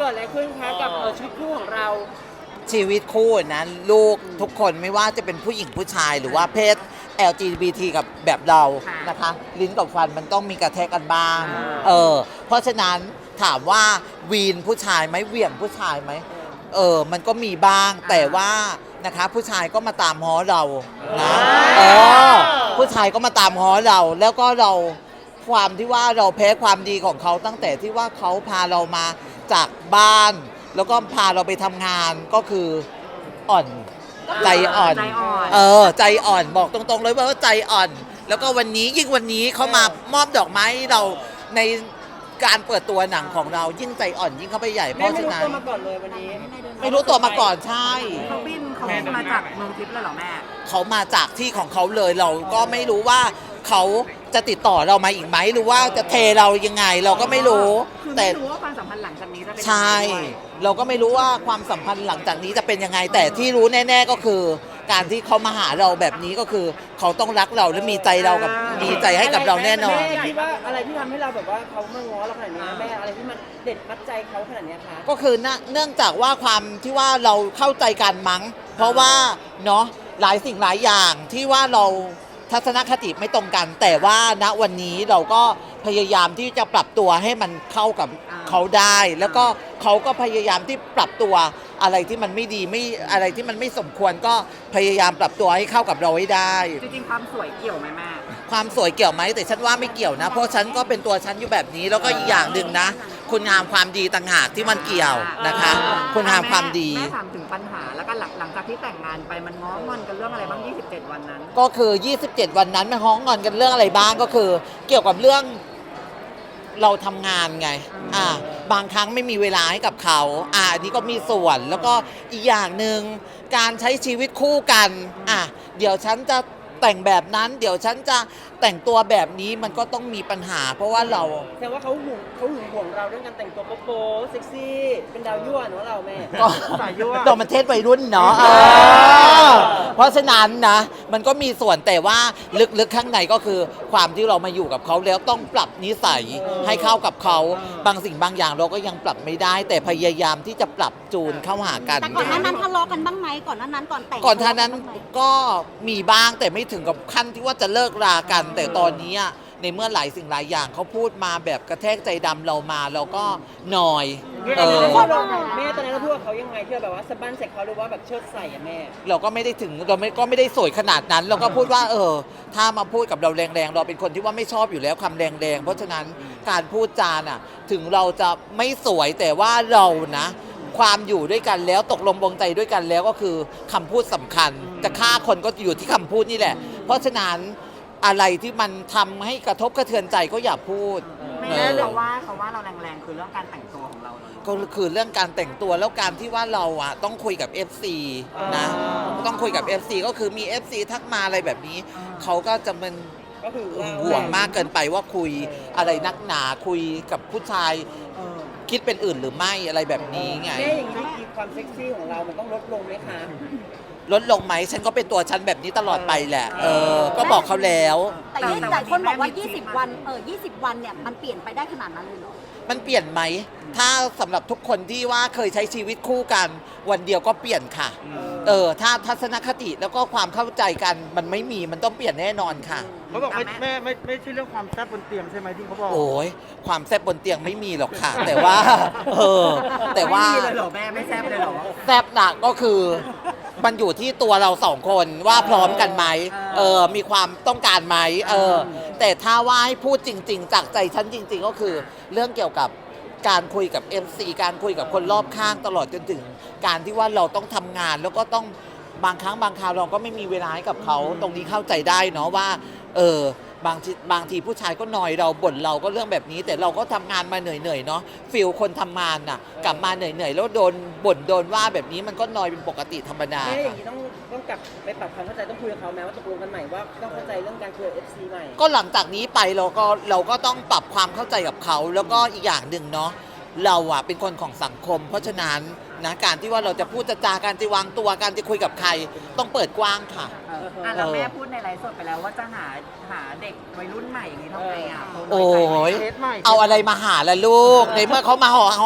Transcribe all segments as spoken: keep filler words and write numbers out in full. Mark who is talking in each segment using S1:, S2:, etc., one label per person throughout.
S1: กิดอะไรขึ้นคะกับเออชีวิตคู่ของเรา
S2: ชีวิตคู่นะลูกทุกคนไม่ว่าจะเป็นผู้หญิงผู้ชายหรือว่าเพศ แอล จี บี ที กับแบบเรานะคะลิ้นกับฟันมันต้องมีกระแทกกันบ้างเออเพราะฉะนั้นถามว่าวีนผู้ชายไหมเหวี่ยงผู้ชายไหมเออมันก็มีบ้างแต่ว่านะคะผู้ชายก็มาตามฮ้อเรานะเออผู้ชายก็มาตามฮ้อเราแล้วก็เราความที่ว่าเราแพ้ความดีของเขาตั้งแต่ที่ว่าเขาพาเรามาจากบ้านแล้วก็พาเราไปทำงานก็คืออ่อนใจอ่อนเออใจอ่อนบอกตรงๆเลยว่าใจอ่อนแล้วก็วันนี้ยิ่งวันนี้เขามามอบดอกไม้เราในการเปิดตัวหนังของเรายิ่งใจอ่อนยิ่งเข้าไปใหญ่เพราะฉะนั้น
S1: ไม่รู้ตัวมาก่อนเลยวันนี้
S2: ไม่รู้ตัวมาก่อนใช่
S3: เขาบินเขาบินมาจากเมืองทิพย์เลยเหรอแม่
S2: เขามาจากที่ของเขาเลยเราก็ไม่รู้ว่าเขาจะติดต่อเรามาอีกไหมหรือว่าจะเทเรายังไงเราก็ไม่รู้
S3: แต่ไม่รู้ว่าความสัมพันธ์หลังจากนี้จะเป็นยังไง
S2: ใช่เราก็ไม่รู้ว่าความสัมพันธ์หลังจากนี้จะเป็นยังไงแต่ที่รู้แน่ๆก็คือ การที่เขามาหาเราแบบนี้ก็คือเขาต้องรักเราและมีใจเรากับมีใจให้กับเราแน่นอน
S1: แม่คิดว่าอะไรที่ทำให้เราแบบว่าเขามาง้อเราขนาดนี้แม่อะไรที่มันเด็ดมัดใจเขาขนาดนี้คะ
S2: ก็คือเนื่องจากว่าความที่ว่าเราเข้าใจกันมั้งเพราะว่าเนาะหลายสิ่งหลายอย่างที่ว่าเราทัศนคติไม่ตรงกันแต่ว่าณวันนี้เราก็พยายามที่จะปรับตัวให้มันเข้ากับเขาได้ แล้วก็เขาก็พยายามที่ปรับตัวอะไรที่มันไม่ดีไม่อะไรที่มันไม่สมควรก็พยายามปรับตัวให้เข้ากับเราให้ได้
S3: จริงๆความสวยเกี่ยวไหมแม่
S2: ความสวยเกี่ยวไหมแต่ฉันว่าไม่เกี่ยวนะเพราะฉันก็เป็นตัวฉันอยู่แบบนี้แล้วก็อีกอย่างหนึ่งนะคุณงามความดีต่างหากที่มันเกี่ยวนะคะคุณงามความดี
S3: แม่ถามถึงปัญหาแล้วก็หลังหลังจากที่แต่งงานไปมันง้องอนกันเรื่องอะไรบ้างยี่สิบเจ็ดวันนั้น
S2: ก็คือยี่สิบเจ็ดวันนั้นมันง้องอนกันเรื่องอะไรบ้างก็คือ เกี่ยวกับเรื่องเราทำงานไงอ่าบางครั้งไม่มีเวลาให้กับเขาอ่าอันนี้ก็มีส่วนแล้วก็อีกอย่างหนึ่งการใช้ชีวิตคู่กันอ่ะเดี๋ยวฉันจะแต่งแบบนั้นเดี๋ยวฉันจะแต่งตัวแบบนี้มันก็ต้องมีปัญหาเพราะว่าเรา
S1: แสดงว่าเขาหึงเขาหึงห่วงเราเรื่องการแต่งตัวโป๊ะเซ็กซี่เป็นดาวยั่วเนาะเราแม่
S2: ก็
S1: สายยั่ว
S2: โดนมันเทศวัยรุ่นเนาะเพราะฉะนั้นนะมันก็มีส่วนแต่ว่าลึกๆข้างในก็คือความที่เรามาอยู่กับเขาแล้วต้องปรับนิสัยให้เข้ากับเขาบางสิ่งบางอย่างเราก็ยังปรับไม่ได้ แต่พยายามที่จะปรับจูนเข้าหากัน
S4: แต่ก่อนหน้านั้นทะเลาะกันบ้างไหมก่อนหน้านั้นก่อนแต่ง
S2: ก่อนท่านั้นก็มีบ้างแต่ไม่ถึงกับขั้นที่ว่าจะเลิกรากันแต่ตอนนี้ในเมื่อหลายสิ่งหลายอย่างเขาพูดมาแบบกระแทกใจดำเรามาเราก็หน่อย
S1: เออแม่ตอนนั้นเราพูดกับเขายังไงที่แบบว่าสะบั้นใส่เขาหรือว่าแบบเชิดใส่อะแม่
S2: เราก็ไม่ได้ถึงเราไม่ก็ไม่ได้สวยขนาดนั้นเราก็พูดว่าเออถ้ามาพูดกับเราแรงๆเราเป็นคนที่ว่าไม่ชอบอยู่แล้วคำแรงๆเพราะฉะนั้นการพูดจาน่ะถึงเราจะไม่สวยแต่ว่าเรานะความอยู่ด้วยกันแล้วตกลงปลงใจด้วยกันแล้วก็คือคำพูดสำคัญจะฆ่าคนก็อยู่ที่คำพูดนี่แหละเพราะฉะนั้นอะไรที่มันทำให้กระทบกระเทือนใจก็อย่าพูด
S3: ไม่แน่เขาว่าเขาว่าเราแรงๆคือเรื่องการแต่งตัวของเรา
S2: ก็คือเรื่องการแต่งตัวแล้วการที่ว่าเราอ่ะต้องคุยกับ เอฟ ซี นะต้องคุยกับ เอฟ ซี ก็คือมี เอฟ ซี ทักมาอะไรแบบนี้เขาก็จะมัน
S1: ก็คือ
S2: ห่วงมากเกินไปว่าคุยอะไรนักหนาคุยกับผู้ชายคิดเป็นอื่นหรือไม่อะไรแบบนี้ไง
S1: แม่อย่างนี้ความเซ็กซี่ของเรามันต้องลดลงไหมคะ
S2: ลดลงไหมฉันก็เป็นตัวฉันแบบนี้ตลอดไปแหละเออก็บอกเขาแล้ว
S4: แต่หลายคนบอกว่ายี่สิบวันเออยี่สิบวันเนี่ยมันเปลี่ยนไปได้ขนาดนั้นเลยเหรอ
S2: มันเปลี่ยนไหมถ้าสำหรับทุกคนที่ว่าเคยใช้ชีวิตคู่กันวันเดียวก็เปลี่ยนค่ะเออถ้าทัศนคติแล้วก็ความเข้าใจกันมันไม่มีมันต้องเปลี่ยนแน่นอนค่ะ
S1: เขาบอกไม่ไม่ไม่ไม่ใช่เรื่องความแซ่บบนเตียงใช่ไหมที่เขาบอก
S2: โอ้ยความแซ่บบนเตียงไม่มีหรอกค่ะแต่ว่าเออแต่ว่า
S3: ไม่มีเลยหรอแม่ไม่แซ่บเลยหรอ
S2: แซ่บหนักก็คือมันอยู่ที่ตัวเราสองคนว่าพร้อมกันไหมเออมีความต้องการไหมเออแต่ถ้าว่าให้พูดจริงๆจากใจฉันจริงๆก็คือเรื่องเกี่ยวกับการคุยกับ เอฟ ซี การคุยกับคนรอบข้างตลอดจนถึงการที่ว่าเราต้องทำงานแล้วก็ต้องบางครั้งบางคราวเราก็ไม่มีเวลาให้กับเขาตรงนี้เข้าใจได้เนาะว่าเออบางทีบางทีผู้ชายก็นอยเราบ่นเราก็เรื่องแบบนี้แต่เราก็ทำงานมาเหนื่อยๆเนาะฟิลคนทำงานน่ะกลับมาเหนื่อยๆแล้วโดนบ่นโดนว่าแบบนี้มันก็นอยเป็นปกติธรรมดา
S1: แม่อย่างนี้ต้องต้องกลับไปปรับความเข้าใจต้องคุยกับเขาแม้ว่าตกลงกันใหม่ว่าต้องเข้าใจเรื่องการคุยกับ เอฟ ซี ใหม่
S2: ก็หลังจากนี้ไปเราก็เราก็ต้องปรับความเข้าใจกับเขาแล้วก็อีกอย่างหนึ่งเนาะเราอะเป็นคนของสังคมเพราะฉะนั้นนะการที่ว่าเราจะพูดจะจาการจะวางตัวการจะคุยกับใครต้องเปิดกว้างค่ะ
S3: อ่ะแล้วแม่พูดในไลฟ์สดไปแล้วว่าจะหาหาเด็กวัยรุ่นใหม่อย่างนี้ทำไงอ่ะ
S2: โอ้ยเอาอะไรมาหาล่ะลูกในเมื่อเขามาหอ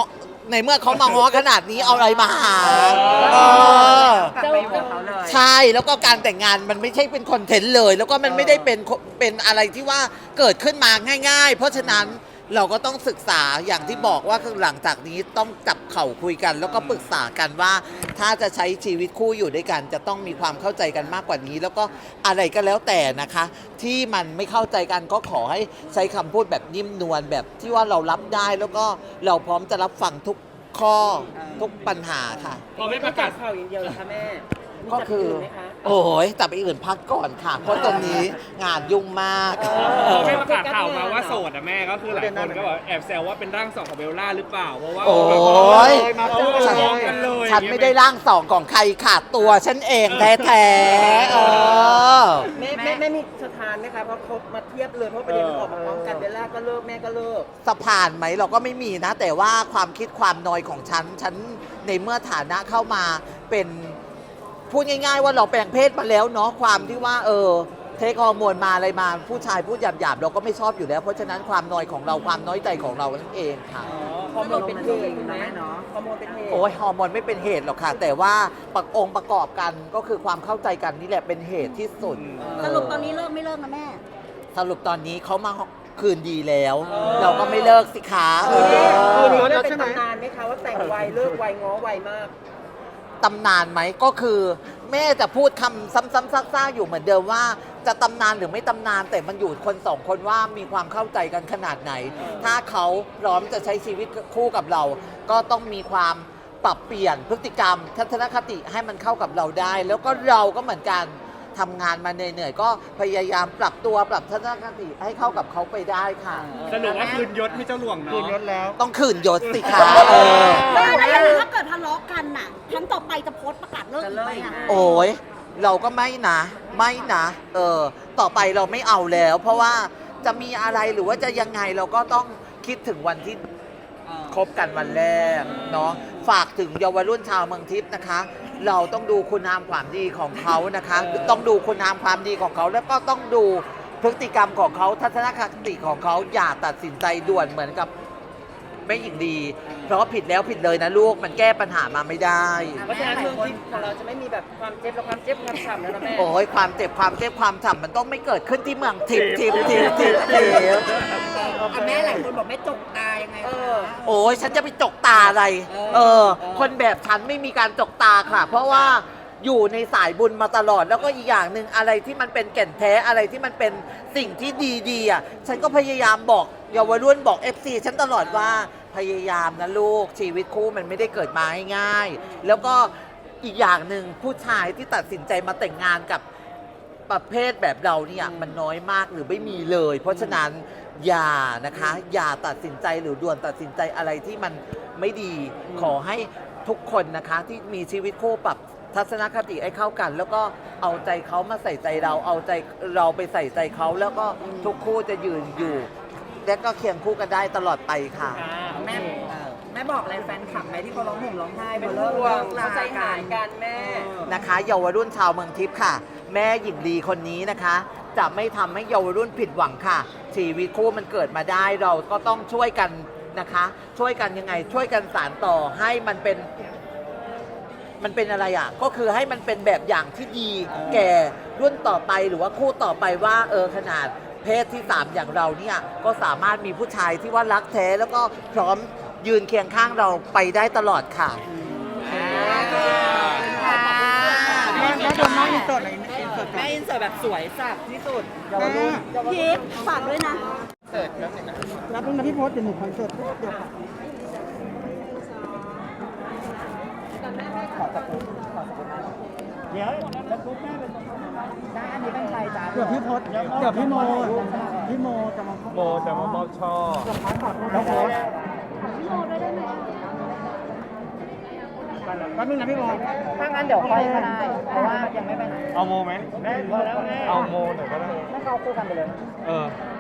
S2: ในเมื่อเขามาง้อขนาดนี้เอาอะไรมาหาเออ
S3: กลับไปอยู่กับเขาเลย
S2: ใช่แล้วก็การแต่งงานมันไม่ใช่เป็นคอนเทนต์เลย แล้วก็มันไม่ได้เป็นเป็นอะไรที่ว่าเกิดขึ้นมาง่าย ๆ เพราะฉะนั้นเราก็ต้องศึกษาอย่างที่บอกว่าคือหลังจากนี้ต้องจับเข่าคุยกัน แล้วก็ปรึกษากันว่า ถ้าจะใช้ชีวิตคู่อยู่ด้วยกัน จะต้องมีความเข้าใจกันมากกว่านี้ แล้วก็อะไรก็แล้วแต่นะคะ ที่มันไม่เข้าใจกันก็ขอให้ใช้คำพูดแบบนิ่มนวลแบบที่ว่าเรารับได้แล้วก็เราพร้อมจะรับฟังทุกข้อทุกปัญหาค่ะ
S1: พอไม่ประกาศข่าวอย่างเดียวเหรอคะแม่มี
S2: ก็
S1: จับ
S2: คือ
S1: อื่นไหมคะ
S2: โอ้ยแต่ไปอื่นพักก่อนค่ะ เพราะตอนนี้งานยุ่งมาก
S1: เออ
S5: ไม่ประกาศข่าวมาว่าโสดอะแม่ก็คือหลายคนก็แบบแอบแซวว่าเป็นร่างสองของเบลล่าหรือเปล่าเพราะว่า
S2: โอ้ย
S5: เขา
S2: ฉัน
S5: ร้องกันเลย
S2: ฉันไม่ได้ร่างสองของใครขาดตัวฉันเองแท้ๆเออ
S1: แม่แม่แม่มีสถานไหมคะเพราะเขามาเทียบเลยเพราะประเด็นมันออกมาพร้อมกันเบลล่าก็เลิกแม่ก็เลิก
S2: สะพานไหมเราก็ไม่มีนะ แต่ว่าความคิดความนอยของฉัน ฉันในเมื่อฐานะเข้ามาเป็นพูดง่ายๆว่าเราแปลงเพศมาแล้วเนาะความที่ว่าเออเทคฮอร์โมนมาอะไรมาผู้ชายพูดหยาบๆเราก็ไม่ชอบอยู่แล้ว เพราะฉะนั้นความนอยของเราความน้อยใจของเรานั่นเองค่ะ
S1: ฮอร์โมนเป็นเหตุไหม
S3: เนาะ
S1: ฮอร์โมนเป็นเหตุ
S2: โอ้ยฮอร์โมนไม่เป็นเหตุหรอกค่ะ แต่ว่าประองค์ประกอบกันก็คือความเข้าใจกันนี่แหละเป็นเหตุที่สุด
S4: สรุปตอนนี้เลิกไม่เลิกนะแม่
S2: สรุปตอนนี้เขามาคืนดีแล้ว เราก็ไม่เลิกสิคะเอ
S1: คือ
S2: อ
S1: มันเป็นตำนานไหมคะว่าแต่งไวเลิกไวง้อไวมาก
S2: ตำนานไหมก็คือแม่จะพูดคำซ้ำๆซากๆอยู่เหมือนเดิมว่าจะตำนานหรือไม่ตำนานแต่มันอยู่คนสองคนว่ามีความเข้าใจกันขนาดไหน ถ้าเขาพร้อมจะใช้ชีวิตคู่กับเรา ก็ต้องมีความปรับเปลี่ยนพฤติกรรม ทัศนคติให้มันเข้ากับเราได้ แล้วก็เราก็เหมือนกันทำงานมาเหนื่อยๆก็พยายามปรับตัวปรับทัศนคติให้เข้ากับเขาไปได้ค่ะ
S5: สรุปว่าคืนยศให้เจ้าหลวงเนาะคืนยศแล้ว
S2: ต้องคืนยศสิคะเออ
S4: แม่แล้วอย่างถ้าเกิดทะเลาะกันน่ะครั้งต่อไปจะโพสต์ประกาศเลิกอีกไหมอ่ะ
S2: โอ้ยเราก็ไม่นะ ไม่นะ เออ ต่อไปเราไม่เอาแล้ว เพราะว่าจะมีอะไรหรือว่าจะยังไงเราก็ต้องคิดถึงวันที่คบกันวันแรกเนาะฝากถึงเยาวรุ่นชาวเมืองทิพย์นะคะ เราต้องดูคุณงามความดีของเขานะคะ ต้องดูคุณงามความดีของเขา แล้วก็ต้องดูพฤติกรรมของเขาทัศนคติของเขาอย่าตัดสินใจด่วนเหมือนกับแม่หญิงดี เพราะผิดแล้วผิดเลยนะลูกมันแก้ปัญหามาไม่ได้
S1: เพราะฉะนั้นเมืองทิพย์ของเราจะไม่มีแบบความเจ็บและความเจ็บความฉ่ำแล้วนะแม่
S2: โอ้ยความเจ็บความเจ็บความฉ่ำมันต้องไม่เกิดขึ้นที่เมืองทิพย์ทิพย์ทิพย์ทิพย์ทิพย์
S3: อ่ะแม่หลายคนบอกแม่จกตายังไง
S1: เอ
S3: คะ
S1: อ
S2: โอ้ยฉันจะไปจกตาอะไร เออ คนแบบฉันไม่มีการจกตาค่ะ เพราะว่าอยู่ในสายบุญมาตลอด แล้วก็อีกอย่างหนึ่งอะไรที่มันเป็นแก่นแท้อะไรที่มันเป็นสิ่งที่ดีๆอ่ะฉันก็พยายามบอกเยาวรุ่นบอก เอฟ ซี ฉันตลอดว่าพยายามนะลูกชีวิตคู่มันไม่ได้เกิดมาง่ายๆแล้วก็อีกอย่างหนึ่งผู้ชายที่ตัดสินใจมาแต่งงานกับประเภทแบบเราเนี่ยมันน้อยมากหรือไม่มีเลย เพราะฉะนั้นอย่านะคะอย่าตัดสินใจหรือด่วนตัดสินใจอะไรที่มันไม่ดีขอให้ทุกคนนะคะที่มีชีวิตคู่ปรับทัศนคติให้เข้ากัน แล้วก็เอาใจเขามาใส่ใจเราเอาใจเราไปใส่ใจเขาแล้วก็ทุกคู่จะยืนอยู่ และก็เคียงคู่กันได้ตลอดไปค่ะ
S3: แม่แม่บอกอะไรแฟนคลับไหมที่เขาร้องห่มร้องไห้
S1: เป็น
S3: เลิก
S1: ห่วง
S3: ลา
S1: เข้าใจหายกันแม่
S2: นะคะเยาวรุ่นชาวเมืองทิพย์ค่ะ แม่หญิงลีคนนี้นะคะ จะไม่ทำให้เยาวรุ่นผิดหวังค่ะ ชีวิตคู่มันเกิดมาได้เราก็ต้องช่วยกันนะคะ ช่วยกันยังไง ช่วยกันสานต่อให้มันเป็น มันเป็นอะไรอ่ะ ก็คือให้มันเป็นแบบอย่างที่ดี แก่รุ่นต่อไปหรือว่าคู่ต่อไปว่าเออขนาดเพศที่สามอย่างเราเนี่ยก็สามารถมีผู้ชายที่ว่ารักแท้แล้วก็พร้อมยืนเคียงข้างเราไปได้ตลอดค่ะ
S3: แม่แม่โดนน้องอินเสิร์ตหน่อยอินเสิร์ตแม่อินเสิร์ตแบบสวยสับที่สุดเยาวรุ่น
S4: พีฟฝากด้วยนะ
S6: รับนึงนะพี่พศเดี๋ยวหนูคอนเสิร์ตเดี๋ยวค่ะ
S3: เดี๋ยวจะทุบแม่เป็นได้อันนี้เป็นใครจ้า
S6: เดี๋ยวพี่พศเดี๋ยวพี่โมพี่โมจะมา
S5: โมจะมามอบช่อ
S6: แล้วโพสแป๊บนึงนะพี่โม
S3: ถ้างั้นเดี๋ยวค่อยก็ได้ เพราะว่ายังไม่ไปไหน
S5: เอาโมไหมพอแล้วแม่เอาโมหน่อยก็ได้
S3: ไม่เข้าคู่กันไปเลย
S5: เออ